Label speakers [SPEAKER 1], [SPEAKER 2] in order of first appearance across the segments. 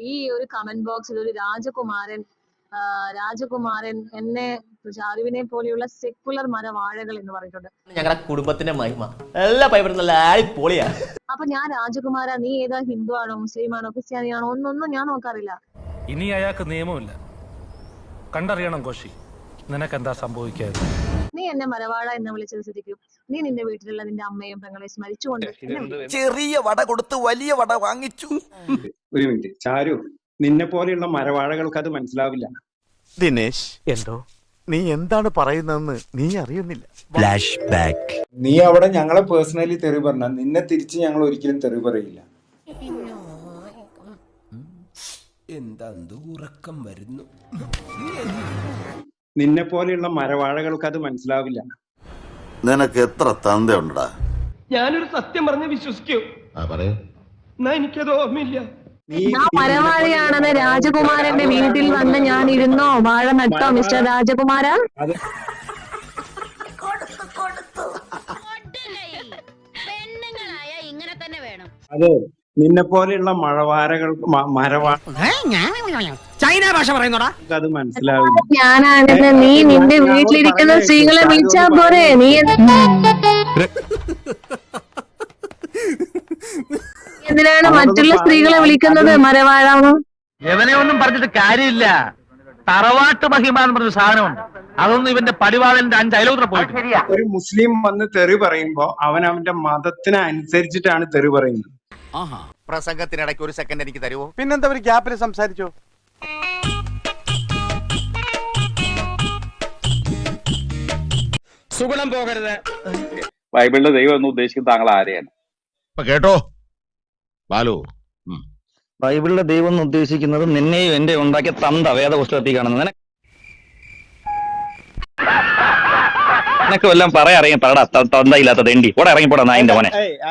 [SPEAKER 1] ഈ ഒരു കമന്റ് ബോക്സിൽ ഒരു രാജകുമാരൻ എന്നെ ഷാരുവിനെ പോലെയുള്ള സെക്കുലർ മരവാഴകൾ എന്ന് പറഞ്ഞിട്ടുണ്ട്.
[SPEAKER 2] ഞങ്ങളുടെ കുടുംബത്തിന്റെ മഹിമ എല്ലാ പൈപ്പറും നല്ല പൊളിയാ.
[SPEAKER 1] അപ്പൊ ഞാൻ രാജകുമാര, നീ ഏതാ, ഹിന്ദു ആണോ, മുസ്ലിം ആണോ, ക്രിസ്ത്യാനിയാണോ, ഒന്നൊന്നും ഞാൻ നോക്കാറില്ല.
[SPEAKER 3] ഇനി അയാൾക്ക് നിയമമില്ല, കണ്ടറിയണം കോശി, നിനക്കെന്താ സംഭവിക്കാതെ.
[SPEAKER 1] നീ എന്നെ മരവാഴ എന്ന് വിളിച്ചത് സ്ഥിതിക്കും നീ നിന്റെ വീട്ടിലുള്ള നിന്റെ അമ്മയും പെങ്ങളെ സ്മരിച്ചുകൊണ്ട്
[SPEAKER 4] ചെറിയ വട കൊടുത്ത് വലിയ വട വാങ്ങിച്ചു.
[SPEAKER 5] ഒരു മിനിറ്റ് ചാരു, നിന്നെ പോലെയുള്ള മരവാഴകൾക്ക് അത് മനസ്സിലാവില്ല.
[SPEAKER 6] ദിനേശ്, എന്തോ നീ എന്താണ് പറയുന്നതെന്ന് നീ അറിയുന്നില്ല.
[SPEAKER 4] Flash back.
[SPEAKER 5] നീ അവിടെ ഞങ്ങളെ പേഴ്സണലി തെറി പറഞ്ഞ നിന്നെ തിരിച്ച് ഞങ്ങൾ ഒരിക്കലും തെറി പറയില്ല.
[SPEAKER 4] എന്താ ഉറക്കം വരുന്നു.
[SPEAKER 5] നിന്നെ പോലെയുള്ള മരവാഴകൾക്ക് അത് മനസ്സിലാവില്ല.
[SPEAKER 6] നിനക്ക് എത്ര തന്തയുണ്ടടാ?
[SPEAKER 7] ഞാനൊരു സത്യം പറഞ്ഞ് വിശ്വസിക്കൂ. എന്നാ എനിക്കത് ഓർമ്മയില്ല.
[SPEAKER 1] ഞാൻ മരവാഴയാണെന്ന് രാജകുമാരന്റെ വീട്ടിൽ വന്ന് ഞാൻ ഇരുന്നോ, വാഴ നട്ടോ മിസ്റ്റർ രാജകുമാര?
[SPEAKER 5] അതെ, നിന്നെ പോലെയുള്ള
[SPEAKER 7] ചൈന ഭാഷ പറയുന്നോടാ,
[SPEAKER 5] അത് മനസ്സിലാവില്ല.
[SPEAKER 1] ഞാനാണെന്ന് നീ നിന്റെ വീട്ടിലിരിക്കുന്ന സ്ത്രീകളെ വിളിച്ചാ പോരെ? നീ എന്തിനാണ് മറ്റുള്ള സ്ത്രീകളെ വിളിക്കുന്നത് മരവാഴാണോ?
[SPEAKER 7] എവനെ ഒന്നും പറഞ്ഞിട്ട് കാര്യമില്ല. തറവാട്ട് മഹിമ എന്ന് പറഞ്ഞ സാധനമുണ്ട്, അതൊന്നും ഇവന്റെ പടിവാളന്റെ 5 അയലോത്ര പോയിട്ട്.
[SPEAKER 5] ഒരു മുസ്ലിം വന്ന് തെറി പറയുമ്പോ അവന്റെ മതത്തിന് അനുസരിച്ചിട്ടാണ് തെറി പറയുന്നത്.
[SPEAKER 4] പ്രസംഗത്തിനിടയ്ക്ക് ഒരു സെക്കൻഡ് എനിക്ക് തരുമോ?
[SPEAKER 6] പിന്നെന്താ ഒരു ഗ്യാപ്പിൽ സംസാരിച്ചോ?
[SPEAKER 7] സുഗുണം പോകരുത്.
[SPEAKER 8] ബൈബിളിലെ ദൈവം എന്ന് ഉദ്ദേശിക്കുന്നത് താങ്കൾ ആരെയാണ്?
[SPEAKER 6] കേട്ടോ ബാലു,
[SPEAKER 9] ബൈബിളിലെ ദൈവം എന്ന് ഉദ്ദേശിക്കുന്നത് നിന്നെയും എന്റെ ഉണ്ടാക്കിയ തന്ത വേദപുസ്തകത്തിൽ കാണുന്നത്. നിനക്ക് വല്ലതും പറയാ ഇറങ്ങി പറടാ, തന്തയില്ലാത്ത തെണ്ടി ഓടെ ഇറങ്ങിപ്പോടാ നായിന്റെ മോനെ.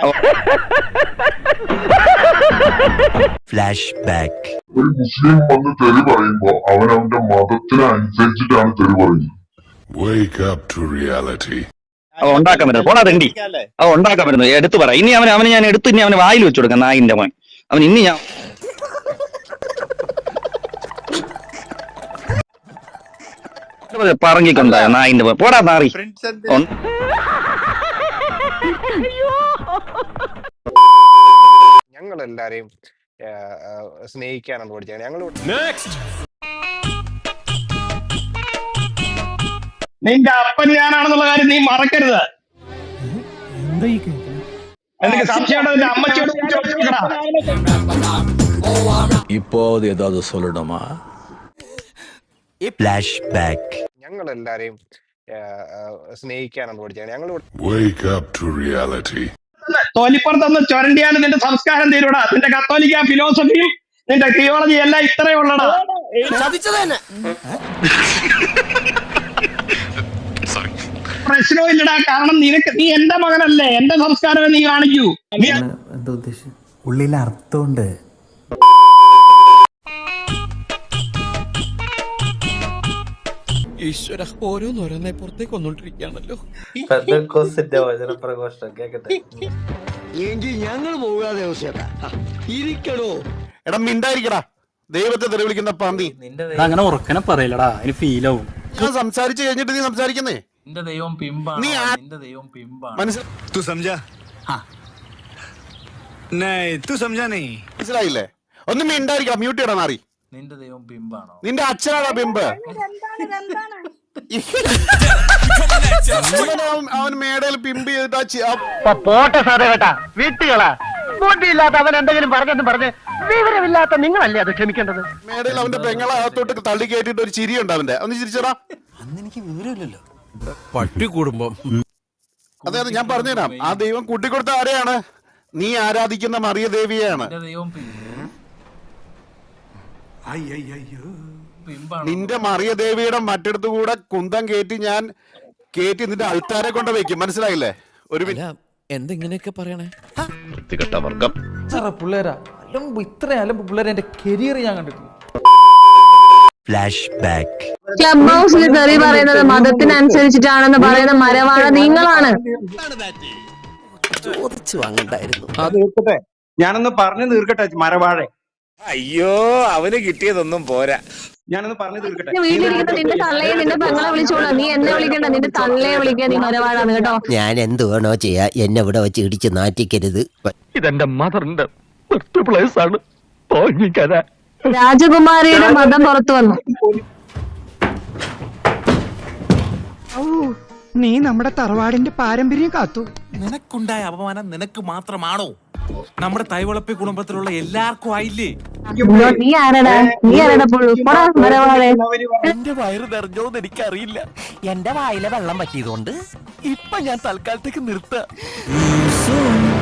[SPEAKER 4] Flash back.
[SPEAKER 10] ഒരു മുസ്ലിം വന്ന് തെറി പറയുമ്പോ അവന്റെ മതത്തിന് അനുസരിച്ചിട്ടാണ് തെറി പറയുന്നത്.
[SPEAKER 9] അവ ഉണ്ടാക്കാൻ പറ്റുന്നത് പോടാ തെണ്ടി, അവ ഉണ്ടാക്കാൻ പറ്റുന്നത് എടുത്തു പറ. ഇനി അവന് ഞാൻ എടുത്ത് ഇനി അവന് വായിൽ വെച്ചു കൊടുക്കാം നായിന്റെ മോൻ. അവൻ ഇനി ഞാൻ പറഞ്ഞിക്കൊണ്ട നായിന്റെ മോൻ പോടാ നാറി.
[SPEAKER 11] ഞങ്ങൾ എല്ലാരെയും സ്നേഹിക്കാനാണ് പഠിച്ചത്. ഞങ്ങൾ
[SPEAKER 7] നിന്റെ അപ്പൻ ഞാനാണെന്നുള്ള കാര്യം നീ മറക്കരുത്. എനിക്ക് സംശയമുണ്ടോ? നിന്റെ അമ്മച്ചിയോട്
[SPEAKER 4] ഇപ്പോ ഏതാത് സൊല്ലണമാ? Flash back.
[SPEAKER 11] ഞങ്ങൾ എല്ലാരെയും സ്നേഹിക്കാനാണ് പഠിച്ചത്. ഞങ്ങൾ
[SPEAKER 7] തോലിപ്പുറത്തൊന്ന് ചൊരണ്ടിയാലും നിന്റെ സംസ്കാരം തീരൂടാ. നിന്റെ കത്തോലിക്ക ഫിലോസഫിയും നിന്റെ തിയോളജി എല്ലാം ഇത്രയേ ഉള്ളടാ. പ്രശ്നവും ഇല്ലടാ, കാരണം നീ എന്റെ മകനല്ലേ, എന്റെ സംസ്കാരമേ നീ കാണിക്കൂ.
[SPEAKER 4] എന്താ ഉദ്ദേശം? ഉള്ളിൽ അർത്ഥമുണ്ട്. ഈശ്വര, ഓരോന്നോരോന്നെ പുറത്തേക്ക് വന്നോണ്ടിരിക്കുകയാണല്ലോ.
[SPEAKER 6] എങ്കിൽ ഞങ്ങൾ പോകാതെ ഇരിക്കണോ? എടാ മിണ്ടായിരിക്കടാ, ദൈവത്തെ തെറി വിളിക്കുന്ന പന്നി.
[SPEAKER 3] അങ്ങനെ ഉറക്കനെ പറയില്ലടാ, അതിന് ഫീലാവും.
[SPEAKER 6] ഞാൻ സംസാരിച്ചു കഴിഞ്ഞിട്ട് നീ സംസാരിക്കുന്നേ.
[SPEAKER 3] നിന്റെ ദൈവം പിമ്പാണ്, നിന്റെ ദൈവം പിമ്പാണ്.
[SPEAKER 6] മനസ്സിലായില്ലേ? ഒന്നും മിണ്ടായിരിക്കടാ, മ്യൂട്ട് ചെയ്യടാ നാറി.
[SPEAKER 3] നിന്റെ ദൈവം പിമ്പാണോ?
[SPEAKER 6] നിന്റെ അച്ഛനാടാ പിമ്പ്. അവൻ മേടയിൽ പിമ്പ് ചെയ്തിട്ടാ
[SPEAKER 7] പോട്ടെ സാറേ കേട്ടാ, വീട്ടുകളാ ബുദ്ധിയില്ലാത്ത അവൻ എന്തെങ്കിലും പറഞ്ഞ് വിവരമില്ലാത്ത നിങ്ങളല്ലേ അത് ക്ഷമിക്കേണ്ടത്.
[SPEAKER 6] മേടയിൽ അവന്റെ പെങ്ങളെ അകത്തോട്ട് തള്ളി കയറ്റിട്ട് ഒരു ചിരിയുണ്ട് അവന്റെ. ഒന്ന് ചിരിച്ചടാ.
[SPEAKER 4] അന്ന് എനിക്ക് വിവരമില്ലല്ലോ.
[SPEAKER 6] പട്ടി കുടുംബം. അതെ, ഞാൻ പറഞ്ഞുതരാം. ആ ദൈവം കൂട്ടിക്കൊടുത്ത ആരെയാണ്? നീ ആരാധിക്കുന്ന മറിയ ദേവിയാണ്. നിന്റെ മറിയ ദേവിയുടെ മറ്റിടത്തു കൂടെ കുന്തം കയറ്റി നിന്റെ അൾത്താരെ കൊണ്ട് വെക്കും. മനസ്സിലായില്ലേ? ഒരു
[SPEAKER 4] എന്തെങ്ങനെയൊക്കെ പറയണേ
[SPEAKER 6] വർഗം
[SPEAKER 7] പിള്ളേരാ ഇത്രയും അലമ്പ് പിള്ളേരെ എന്റെ കരിയർ ഞാൻ കണ്ടിട്ടില്ല.
[SPEAKER 4] Flash back.
[SPEAKER 1] ക്ലബ് ഹൗസിൽ തെറി പറയുന്നത് മതത്തിനനുസരിച്ചിട്ടാണെന്ന് പറയുന്ന മരവാഴ നിങ്ങളാണ്.
[SPEAKER 4] ചോദിച്ചു വാങ്ങണ്ടായിരുന്നു.
[SPEAKER 5] ഞാനൊന്ന് പറഞ്ഞു തീർക്കട്ടെ മരവാഴ.
[SPEAKER 6] അയ്യോ അവന് കിട്ടിയതൊന്നും പോരാ.
[SPEAKER 5] ഞാനൊന്ന് പറഞ്ഞു തീർക്കട്ടെ.
[SPEAKER 1] വീട്ടിലിരിക്കുന്ന നിന്റെ തള്ളയെ നിന്റെ പെങ്ങളെ വിളിച്ചോളൂ. നീ എന്നെ വിളിക്കണ്ട, നിന്റെ തള്ളയെ വിളിക്കാൻ നീ മരവാഴാണ് കേട്ടോ.
[SPEAKER 4] ഞാൻ എന്ത് വേണോ ചെയ്യാ, എന്നെ ഇവിടെ വെച്ച് ഇടിച്ച് നാറ്റിക്കരുത്.
[SPEAKER 7] ഇതെന്റെ മദറിന്റെ പ്ലേസ് ആണ്.
[SPEAKER 1] രാജകുമാരിയുടെ മതം പുറത്തു വന്നു.
[SPEAKER 4] നീ നമ്മുടെ തറവാടിന്റെ പാരമ്പര്യം കാത്തു.
[SPEAKER 3] നിനക്കുണ്ടായ അപമാനം നിനക്ക് മാത്രമാണോ? നമ്മുടെ തൈവളപ്പി കുടുംബത്തിലുള്ള എല്ലാവർക്കും ആയില്ലേ?
[SPEAKER 1] നീ ആരടാ മരവാളെ?
[SPEAKER 4] എന്റെ വയറ് നിറഞ്ഞോന്ന് എനിക്കറിയില്ല. എന്റെ വായിലെ വെള്ളം പറ്റിയതുകൊണ്ട് ഇപ്പൊ ഞാൻ തൽക്കാലത്തേക്ക് നിർത്താം.